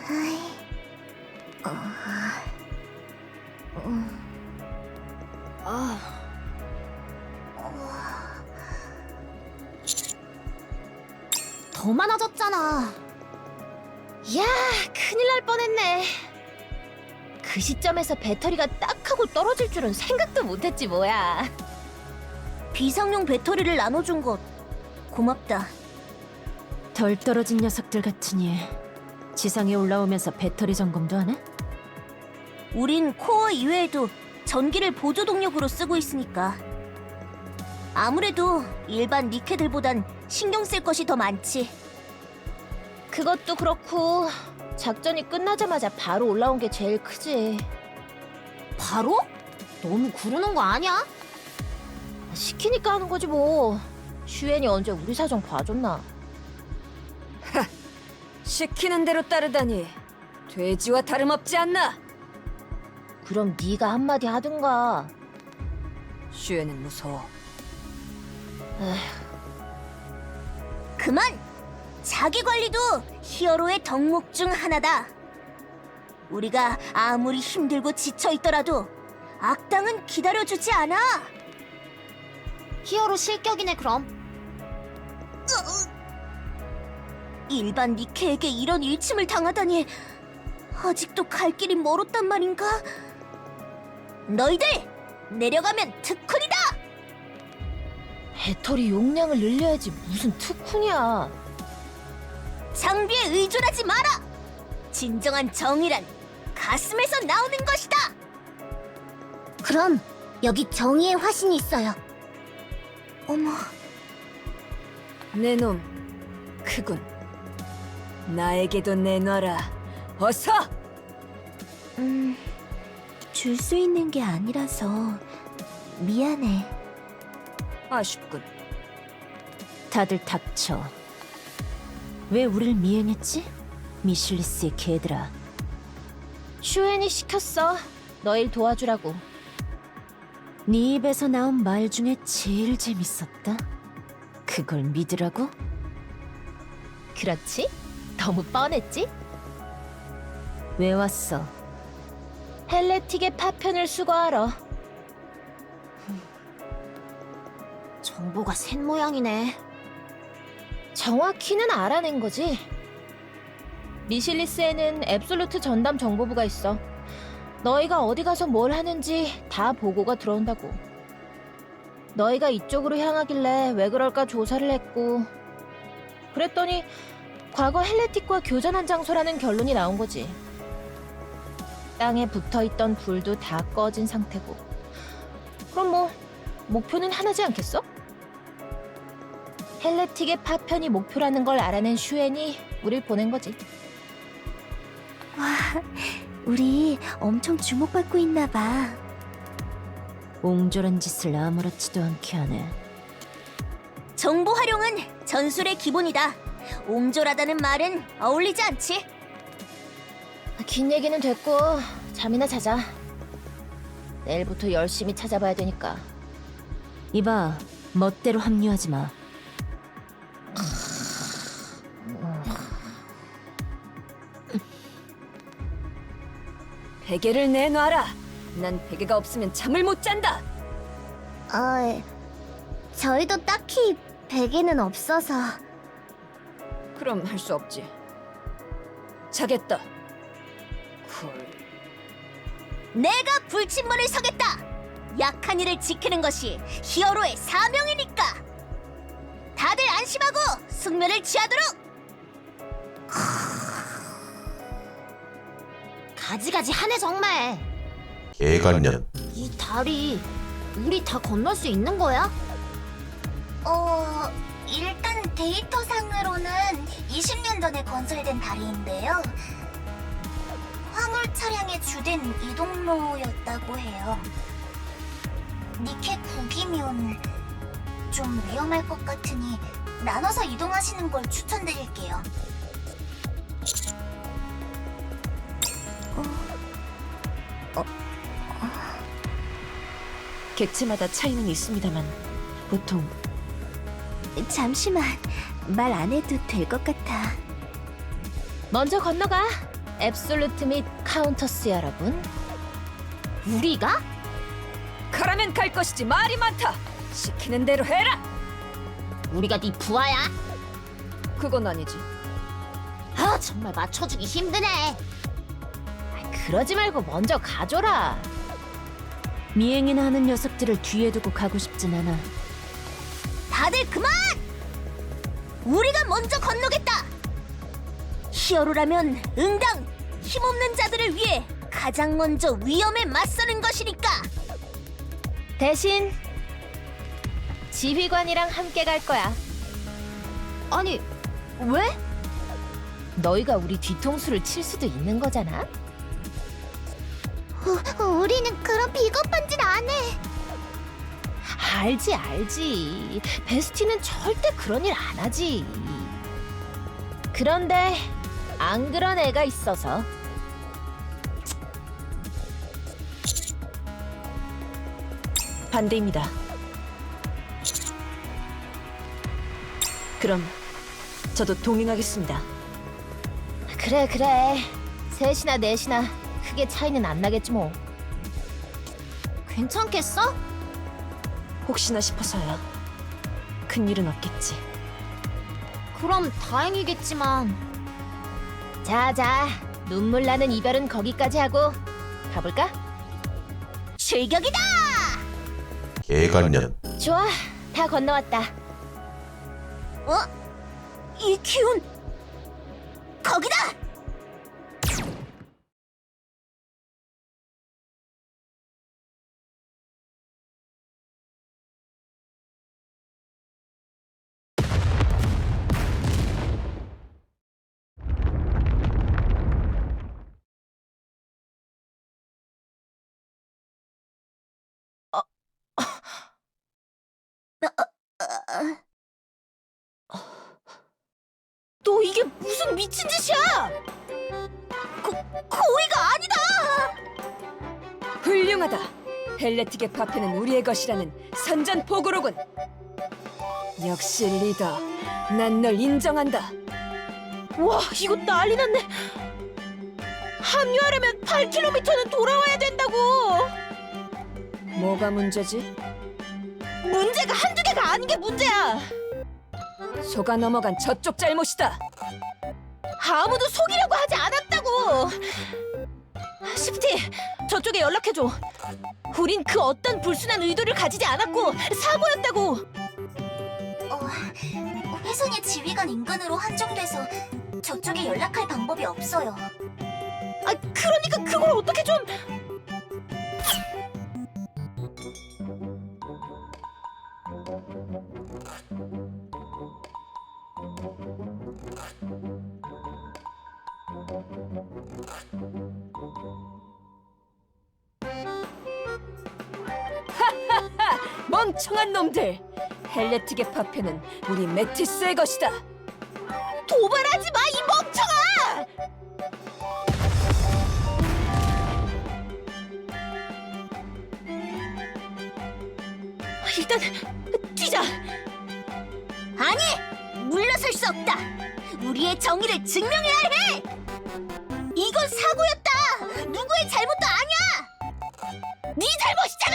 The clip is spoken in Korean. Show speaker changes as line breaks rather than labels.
더 많아졌잖아.
야, 큰일 날 뻔했네. 그 시점에서 배터리가 딱 하고 떨어질 줄은 생각도 못했지 뭐야.
비상용 배터리를 나눠준 것 고맙다.
덜 떨어진 녀석들 같으니 지상에 올라오면서 배터리 점검도 하네?
우린 코어 이외에도 전기를 보조 동력으로 쓰고 있으니까. 아무래도 일반 니케들보단 신경 쓸 것이 더 많지.
그것도 그렇고 작전이 끝나자마자 바로 올라온 게 제일 크지.
바로? 너무 구르는 거 아니야?
시키니까 하는 거지 뭐. 슈엔이 언제 우리 사정 봐줬나.
시키는 대로 따르다니 돼지와 다름없지 않나?
그럼 네가 한마디 하든가.
슈에는 무서워.
그만! 자기 관리도 히어로의 덕목 중 하나다. 우리가 아무리 힘들고 지쳐있더라도 악당은 기다려주지 않아. 히어로 실격이네 그럼. 일반 니케에게 이런 일침을 당하다니 아직도 갈 길이 멀었단 말인가? 너희들 내려가면 특훈이다!
배터리 용량을 늘려야지 무슨 특훈이야.
장비에 의존하지 마라! 진정한 정의란 가슴에서 나오는 것이다! 그럼 여기 정의의 화신이 있어요. 어머,
내 놈 크군. 나에게도 내놔라. 어서!
줄 수 있는 게 아니라서 미안해.
아쉽군. 다들 닥쳐. 왜 우릴 미행했지? 미실리스의 개들아.
슈엔이 시켰어. 너 일 도와주라고.
네 입에서 나온 말 중에 제일 재밌었다. 그걸 믿으라고?
그렇지? 너무 뻔했지?
왜 왔어?
헬레틱의 파편을 수거하러.
정보가 샌 모양이네.
정확히는 알아낸 거지. 미실리스에는 앱솔루트 전담 정보부가 있어. 너희가 어디 가서 뭘 하는지 다 보고가 들어온다고. 너희가 이쪽으로 향하길래 왜 그럴까 조사를 했고, 그랬더니 과거 헬레틱과 교전한 장소라는 결론이 나온 거지. 땅에 붙어있던 불도 다 꺼진 상태고. 그럼 뭐 목표는 하나지 않겠어? 헬레틱의 파편이 목표라는 걸 알아낸 슈엔이 우릴 보낸 거지.
와, 우리 엄청 주목받고 있나 봐.
옹졸한 짓을 아무렇지도 않게 하네.
정보 활용은 전술의 기본이다. 옹졸하다는 말은 어울리지 않지?
긴 얘기는 됐고 잠이나 자자. 내일부터 열심히 찾아봐야 되니까.
이봐, 멋대로 합류하지 마. 베개를 내놔라. 난 베개가 없으면 잠을 못 잔다.
저희도 딱히 베개는 없어서.
그럼 할 수 없지. 자겠다. 쿨.
내가 불침문을 서겠다. 약한 이를 지키는 것이 히어로의 사명이니까. 다들 안심하고 숙면을 취하도록. 가지가지 하네 정말.
애간년
이 다리 우리 다 건널 수 있는 거야? 일단 데이터상으로는 20년 전에 건설된 다리인데요. 화물 차량의 주된 이동로였다고 해요. 니케 9기면 좀 위험할 것 같으니 나눠서 이동하시는 걸 추천드릴게요.
객체마다 차이는 있습니다만 보통
잠시만, 말 안 해도 될 것 같아.
먼저 건너가. 앱솔루트 및 카운터스 여러분.
우리가?
가라면 갈 것이지 말이 많다. 시키는 대로 해라.
우리가 네 부하야?
그건 아니지.
아, 정말 맞춰주기 힘드네.
그러지 말고 먼저 가줘라.
미행이나 하는 녀석들을 뒤에 두고 가고 싶진 않아.
다들 그만! 우리가 먼저 건너겠다. 히어로라면 응당 힘없는 자들을 위해 가장 먼저 위험에 맞서는 것이니까.
대신 지휘관이랑 함께 갈 거야.
아니, 왜?
너희가 우리 뒤통수를 칠 수도 있는 거잖아.
우리는 그런 비겁한 짓 안 해.
알지. 베스티는 절대 그런 일 안 하지. 그런데 안 그런 애가 있어서.
반대입니다. 그럼 저도 동행하겠습니다.
그래. 셋이나 넷이나 크게 차이는 안 나겠지 뭐.
괜찮겠어?
혹시나 싶어서요. 큰일은 없겠지.
그럼 다행이겠지만.
자, 눈물 나는 이별은 거기까지 하고 가볼까?
출격이다!
예관년.
좋아, 다 건너왔다.
이 기운! 거기다!
너 이게 무슨 미친 짓이야?
고의가 아니다!
훌륭하다. 헬레틱의 파편은 우리의 것이라는 선전포고로군. 역시 리더. 난 널 인정한다.
와, 이거 난리 났네. 합류하려면 8km는 돌아와야 된다고.
뭐가 문제지?
문제가 한두 개가 아닌 게 문제야.
속아 넘어간 저쪽 잘못이다.
아무도 속이려고 하지 않았다고. 시프티, 저쪽에 연락해줘. 우린 그 어떤 불순한 의도를 가지지 않았고 사고였다고.
회선이 지휘관 인근으로 한정돼서 저쪽에 연락할 방법이 없어요.
아, 그러니까 그걸 어떻게 좀...
멍청한 놈들. 헬레틱의 파편은 우리 메티스의 것이다.
도발하지 마, 이 멍청아! 일단 뛰자.
아니! 물러설 수 없다! 우리의 정의를 증명해야 해! 이건 사고였다! 누구의 잘못도 아니야! 네 잘못이잖아!